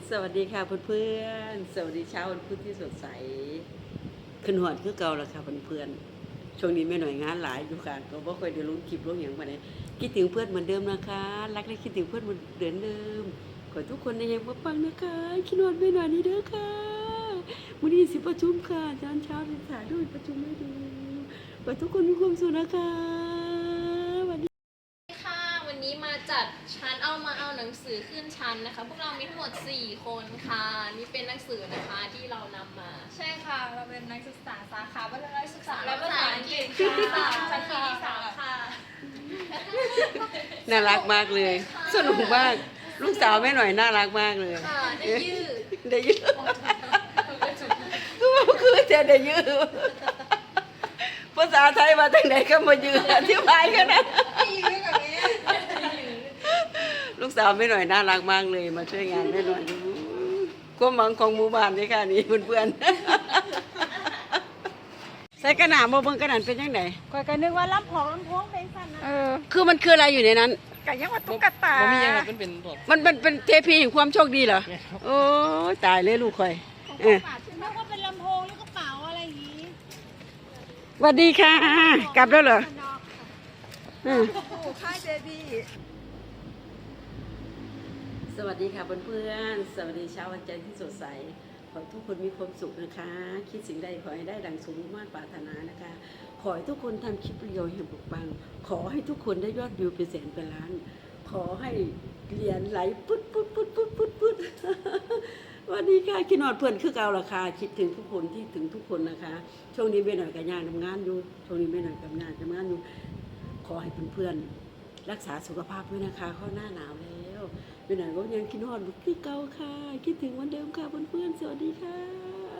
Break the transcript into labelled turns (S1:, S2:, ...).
S1: สวัสดีค่ะเพื่อนๆสวัสดีเช้าวันพุธที่สดใสขึ้นหอดคือเก่าแล้วค่ะเพื่อนๆช่วงนี้ไม่หน่อยงานหลายอยู่ค่ะก็บ่ค่อยได้ลงคลิปลงอย่างมาไหนคิดถึงเพื่อนเหมือนเดิมนะคะรักและคิดถึงเพื่อนเหมือนเดิมขอทุกคนในยังปังๆนะคะคิดหอดไม่หน่อยนี่เด้อค่ะวันนี้สิประชุมค่ะอาจารย์เช้าที่ถ่ายด้วยประชุมให้ดูขอทุกคนมีความสุขนะคะ
S2: ค่ะวันนี้มาจัดชั้นเอาหนังสือขึ้นชั้นนะคะพวกเรามีทั้งหมด4คนค่ะนี่เป็นหนังสือนะคะที่เรานำมา
S3: ใช่ค่ะเราเป็นนักศึกษาสาขาวัฒนศึกษาและ
S2: และภา
S3: ภา
S2: ษา
S3: ษา
S2: อั
S3: อั
S2: ง
S3: ง
S2: ก
S3: ก
S2: ฤ
S3: ฤ
S2: ษ
S3: ษ
S2: ค่ะ
S3: ชั้นปีที่ 3ค่ะ
S1: น่ารักมากเลยสนุกมากลูกสาวแม่หน่อยน่ารักมากเลย
S2: ค่ะได้ยืด
S1: ได้ยืดคือจะได้ยืดภาษาไทยมาจากไหนก็มายืดอธิบายกันนะลูกสาวแม่หน่อยน่ารักมากเลยมาช่วยงานแม่หน่อยความหวังของหมู่บ้านนี่ค่ะนี่เพื่อนๆใส่กระหน่ำโมเบิ้งกระหน่ำเป็นยังไง
S3: ก่อนกันนึกว่าลำโพงเพลงสั้นนะ
S1: คือมันคืออะไรอยู่ในนั้น
S3: กันยังว่าตุ๊กตา
S4: บ่มีหยังครับมันเป็นพวก
S1: มันเป็นเทพีแห่งความโชคดีเหรอโอ้ยตายเลยลูกคอย
S3: นึกว่าเป็นลำโพงหรือกระเป๋าอะไรอย่างนี้
S1: สวัสดีค่ะ กลับแล้วเหรอ
S3: ค่ายเจดี
S1: สวัสดีค่ะเพื่อนๆสวัสดีเช้าวันจันทร์ที่สดใสขอให้ทุกคนมีความสุขนะคะ คิดสิ่งใดขอให้ได้ดังสมมาตรปรารถนานะคะ ขอให้ทุกคนทำคลิปประโยชน์แห่งปกปังขอให้ทุกคนได้ยอดวิวเป็นแสนเป็นล้าน ขอให้เหรียญไหลปุ๊ดปุ๊ดปุ๊ดปุ๊ดปุ๊ดปุ๊ดวันนี้ค่ะคิดนอดเพื่อนคือเก่าราคาคิดถึงทุกคนที่ถึงทุกคนนะคะช่วงนี้ไม่หน่อยกับงานทำงานอยู่ช่วงนี้ไม่หน่อยกับงานทำงานอยู่ขอให้เพื่อนๆรักษาสุขภาพด้วยนะคะเข้าหน้าหนาวแล้วไม่หน่อยก็ยังคิดนอดคือเก่าค่ะคิดถึงวันเดิมค่ะเพื่อนๆสวัสดีค่ะ